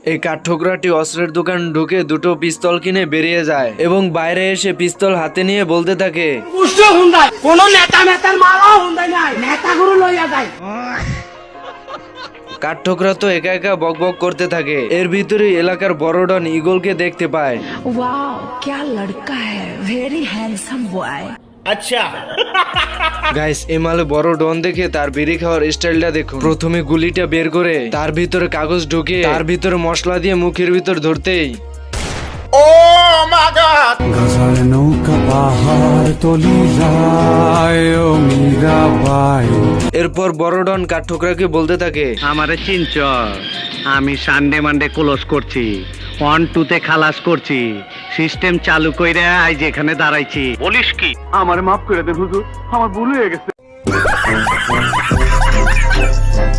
এই কাঠঠোকরাটি অস্ত্রের দোকান ঢুকে দুটো পিস্তল কিনে বেরিয়ে যায় এবং বাইরে এসে পিস্তল হাতে নিয়ে বলতে থাকে, কোনো নেতা নেতার মারাও হুন্দাই নাই, নেতাগুলো লইয়া যায়। কাঠঠোকরা তো একা একা বকবক করতে থাকে। এর ভিতরে এলাকার বড় ডন ইগলকে দেখতে পায়। वाह क्या लड़का है, वेरी हैंडसम बॉय। গাইস, এমালে বড় ডন দেখে তার বিড়ি খাওয়ার স্টাইলটা দেখুন। প্রথমে গুলিটা বের করে তার ভিতরে কাগজ ঢুকে তার ভিতরে মশলা দিয়ে মুখের ভিতর ধরতেই ঘাসার নৌকা পাহাড় তলি যায় ও মীরাবাই। এরপর বড় ডন কাঠঠোকরাকে বলতে থাকে, আমারে চিনচ, আমি সানডে মানডে ক্লোজ করছি, 1-2 খালাস করছি, সিস্টেম চালু কইরা আজ এখানে দাঁড়াইছি। বলিস কি? আমারে মাফ করে দেন হুজুর, আমার ভুল হয়ে গেছে।